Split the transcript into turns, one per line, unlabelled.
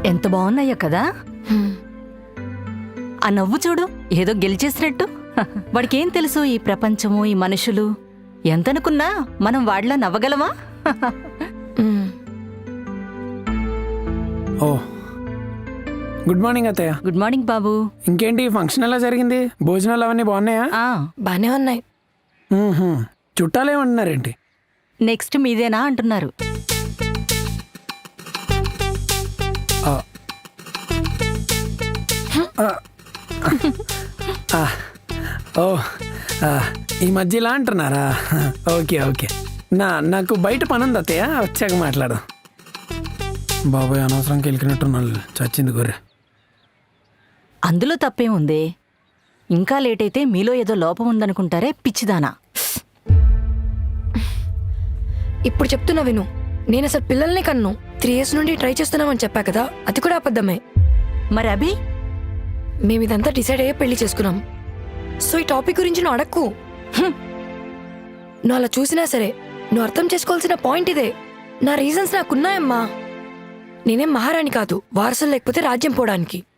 ఎంత బాగున్నాయో కదా. ఆ నవ్వు చూడు, ఏదో గెలిచేసినట్టు. వాడికేం తెలుసు ఈ ప్రపంచము, ఈ మనుషులు. ఎంతనుకున్నా మనం వాడిలా నవ్వగలమా?
ఓ గుడ్ మార్నింగ్ అత్తయ్య.
గుడ్ మార్నింగ్ బాబు.
ఇంకేంటి ఫంక్షన్ ఎలా జరిగింది? భోజనాలు అవన్నీ బాగున్నాయా?
బానే ఉన్నాయి.
చుట్టాలు ఏమంటున్నారేంటి?
నెక్స్ట్ మీదేనా అంటున్నారు.
ఓ ఈ మధ్య ఇలా అంటున్నారా? Okay okay. నాకు బయట పని ఉంది అత్తయ్య, వచ్చాక మాట్లాడు. బాబాయ్ అనవసరంకి వెళ్ళినట్టున్నాను, చచ్చింది గొర్రె.
అందులో తప్పేముంది? ఇంకా లేట్ అయితే మీలో ఏదో లోపం ఉందనుకుంటారే పిచ్చిదానా.
ఇప్పుడు చెప్తున్నా విను. నేను అసలు పిల్లల్ని కన్ను 3 years నుండి ట్రై చేస్తున్నామని చెప్పా కదా, అది కూడా అబద్ధమే.
మరి అభి?
మేమిదంతా డిసైడ్ అయ్యే పెళ్లి చేసుకున్నాం. సో ఈ టాపిక్ గురించి నువ్వు అడక్కు. నువ్వు అలా చూసినా సరే నువ్వు అర్థం చేసుకోవాల్సిన పాయింట్ ఇదే. నా రీజన్స్ నాకున్నాయమ్మా. నేనేం మహారాణి కాదు, వారసులు లేకపోతే రాజ్యం పోవడానికి.